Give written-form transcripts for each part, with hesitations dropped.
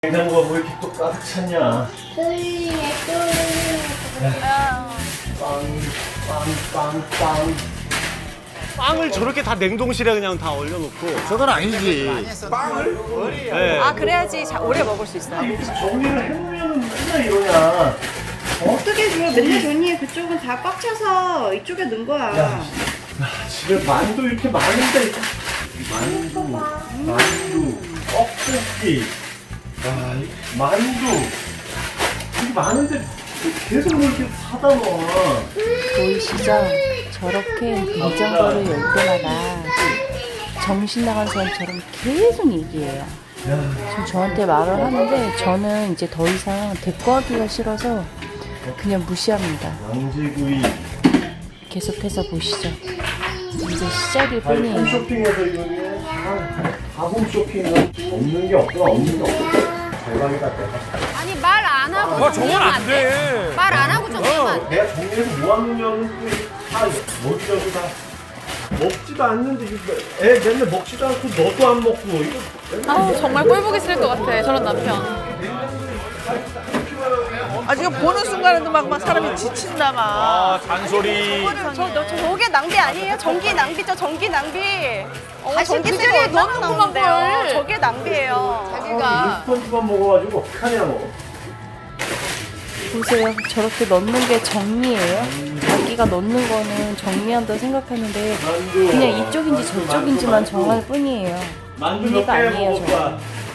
냉장고가 뭐 이렇게 또 가득 찼냐? 빵. 빵을 저렇게 다 냉동실에 그냥 다 얼려놓고. 저건 아니지. 네. 아 그래야지 오래 먹을 수 있어요. 이렇게 정리를 해놓으면 맨날 이러냐? 어떻게 줘? 맨날 전이에 그쪽은 다 꽉 차서 이쪽에 넣은 거야. 야, 집에 만두 이렇게 많은데. 만두, 떡볶이, 만두. 이렇게 많은데 계속 뭐 이렇게 사다 놔. 보이시죠? 저렇게 냉장고를 열 때마다 정신 나간 사람처럼 계속 얘기해요. 지금 저한테 말을 하는데 저는 이제 더 이상 대꾸하기가 싫어서 그냥 무시합니다. 양지구이. 계속해서 보시죠. 이제 시작일 아니, 뿐이에요. 홈쇼핑에서 이거는 다 홈쇼핑은 없는 게 없어. 대박이다, 대박. 아니 말 안 하고 저건 안 돼. 말 안 하고 정리하면 안 돼. 내가 정리해서 모아놓으면 다 여기저기 다 먹지도 않는데 이거 애 맨날 먹지도 않고 너도 안 먹고 이거 아우 정말 꼴보기 싫을 것 같아 저런 남편. 아 지금 보는 순간에도 막 사람이 지친다 막. 아, 잔소리. 저게 낭비 아니에요? 전기 낭비죠 전기 낭비. 전기 그 쓰레기 자리에 얼마나 넣어놓고만 나오는데요. 뭘. 저게 낭비예요. 자기가 인스턴트만 먹어가지고 어떡하냐 뭐. 보세요. 저렇게 넣는 게 정리예요? 자기가 넣는 거는 정리한다 생각하는데 만두. 그냥 이쪽인지 저쪽인지만 정할 뿐이에요. 만두 의미가 몇개 아니에요, 먹을 거야?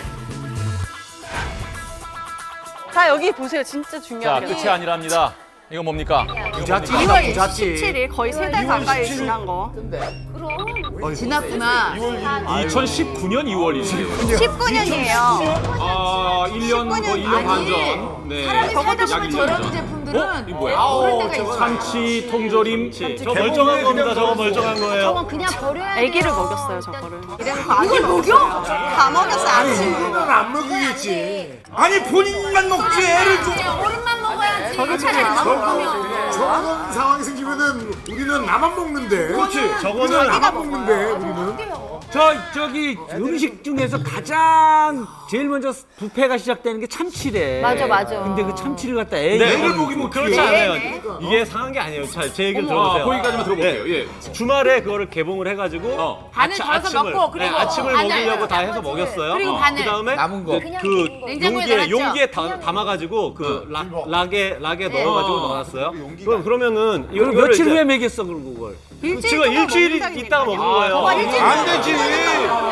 자 여기 보세요 진짜 자, 중요한 게. 끝이 아니랍니다. 이거 뭡니까? 부잣집이다 2월 부잣집. 17일 거의 3달 가까이 지난 거. 지났구나. 2019년 2월이지. 19년이에요. 아, 1년, 거의 1년 반 전. 네. 적어도 약 1년 저런 전. 제품들은 이거 뭐야? 참치, 통조림. 저 멀쩡한 겁니다. 저거 멀쩡한 거예요. 그냥 버려야 아기를 먹였어요 저거를. 이래서 이걸 먹여? 다 먹였어 아침. 안 먹이겠지. 아니, 본인만 먹지, 애를 좀. 어른만 먹어야지. 저기 차라리 안 먹으면. 저런 상황이 생기면은 우리는 나만 먹는데. 그렇지. 우리는 저거는 나만 먹는데 우리는. 저기 음식 중에서 가장 제일 먼저 부패가 시작되는 게 참치래. 맞아. 근데 그 참치를 갖다 네, 애를 먹이면 그렇지 않아요. 이게 상한 게 아니에요. 자, 제 얘기를 들어보세요. 거기까지만 들어볼게요. 예. 주말에 그거를 개봉을 해가지고 반을 덜어서 먹고, 그리고 아침을 반을, 먹이려고 다 해서 먹였어요. 그리고 반을. 그다음에 남은 거. 그 냉장고에 넣어놨죠? 용기에 담아가지고 그 락에 넣어가지고 넣어놨어요. 그러면은 이걸 이거를 며칠 이제 후에 먹였어 그걸. 지금 일주일 있다가 먹은 거예요. 안 되지.